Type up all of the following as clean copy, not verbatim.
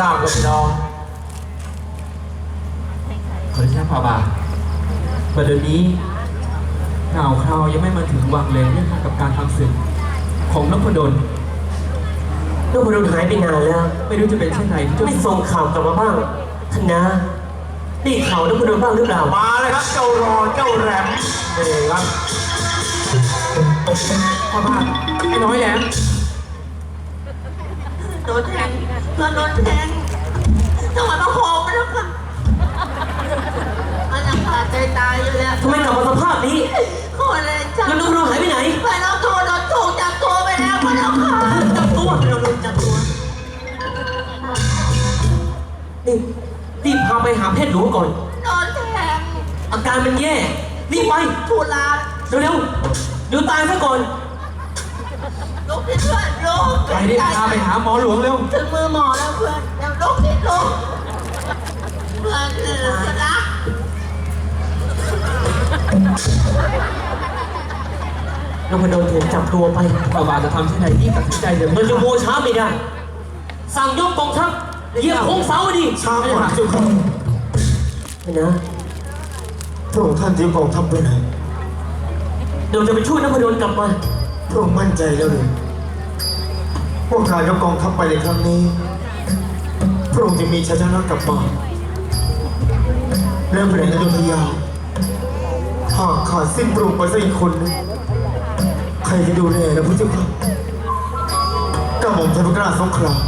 ราบกับพี่น้องขออนุญาตพาบาประเดี๋ยวนี้ข่าวคราวยังไม่มาถึงวังเลยเรื่องกับการทำศึกของนพดลหายไปนานแล้วไม่รู้จะเป็นเช่นไรที่ไม่ส่งข่าวกลับมาบ้างท่านนะได้ข่าวนพดลบ้างหรือเปล่ามาเลยครับเจ้ารอเจ้าแหลมเอ๋ครับพาบาไอ้น้อยแหลมโดนแทงโดนแทงจังหวะมาโหมไปแล้วค่ะมันยังขาดใจตายอยู่แล้วทำไมกลับมาสภาพนี้คนเลยจับแล้วนพดลหายไปไหนไปแล้วโดนถูกจับตัวไปแล้วพะเจ้าค่ะจับตัวเราโดนจับตัวนี่รีบพาไปหาแพทย์หลวงก่อนโดนแทงอาการมันแย่รีบไปทุลาเร็วๆเดี๋ยวตายซะก่อนลุกขึ้นเพื่อนลุกไปดิพาไปหาหมอหลวงเร็วถึงมือหมอแล้วเพื่อนเดี๋ยวลุกขึ้นลุกเพื่อนรักนพดลถูกจับตัวไปพาบาจะทำเช่นไรที่ตัดสินใจเดี๋ยวมันจะโมช้าไม่ได้สั่งยกกองทัพเหยียบโค้งเสาดิช้าก่อนเจ้าค่ะไม่นะพระองค์ท่านจะกองทัพไปไหนเดี๋ยวจะไปช่วยนพดลกลับมาพระองค์มั่นใจแล้วเลยพวกการยกกองทัพไปในครั้งนี้พระองค์จะมีชัยชนะกลับมาเริ่มแรงอยุธยาหากขาดสิ้นพระองค์ไปสักอีกคนนึงใครจะดูแลนะพระเจ้าค่ะกระหม่อมชัยพระกล้าสงคราม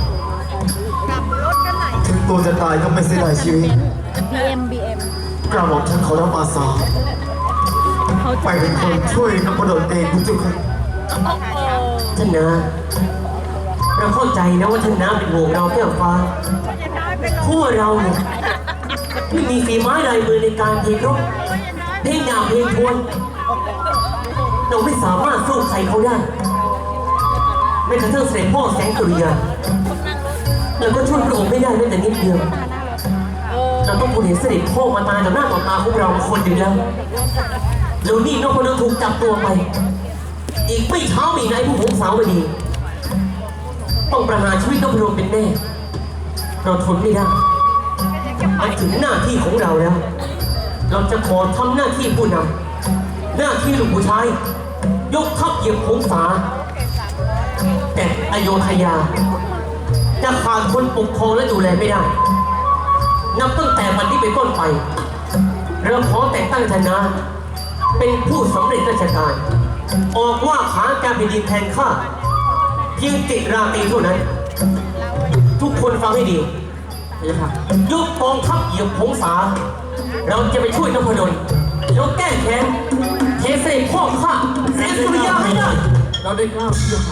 ถึงตัวจะตายก็ไม่เสียดายชีวิต BM กระหม่อมฉันขอรับอาสาไปเป็นคนช่วยนพดลเองพระเจ้าค่ะท่านนะเราเข้าใจนะว่าท่านน้าเป็นห่วงเราแก้วฟ้าพวกเราเนี่ยไม่มีฝีไม้ลายมือในการเพลงรบเพลงดาบเพลงทวนเราไม่สามารถสู้ใครเขาได้แม้กระทั่งเสด็จพ่อแสงสุริยาเราก็ช่วยพระองค์ไม่ได้แม้แต่นิดเดียวเราต้องเห็นเสด็จพ่อมาตายต่อหน้าต่อตาของเราคนเดียวแล้วนี่นพดลถูกจับตัวไปอีกไม่ช้ามีนายผู้หงสาวดีต้องประหารชีวิตนพดลเป็นแน่เราทนไม่ได้มาถึงหน้าที่ของเราแล้วเราจะขอทำหน้าที่ผู้นำหน้าที่ลูกผู้ชายยกทัพเหยียบหงสาแต่อโยธยาจะขาดคนปกครองและดูแลไม่ได้นับตั้งแต่วันนี้เป็นต้นไปเราขอแต่งตั้งชนะเป็นผู้สำเร็จราชการออกว่าขาการแผ่นดินแทนข้าเพียงติดราตรีเท่านั้นทุกคนฟังให้ดีนะครับยกกองทัพเหยียบหงสาเราจะไปช่วยนพดลแล้วแก้แค้นเทเสด็จพ่อข้าแสงสุริยาให้ได้เราได้กล้าวเชื่อ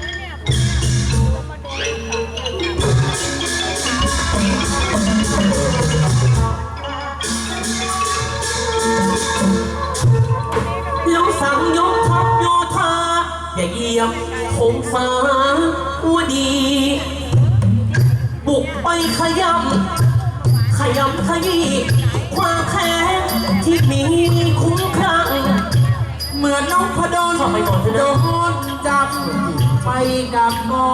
แล้วสั่งยกทัพโยธาอย่าเหยียบหงสาวดีบุกไปขยำขยี้ความแค้นที่มีคุ้มครั่งเหมือนน้องพดลโดนจับไปกับกอง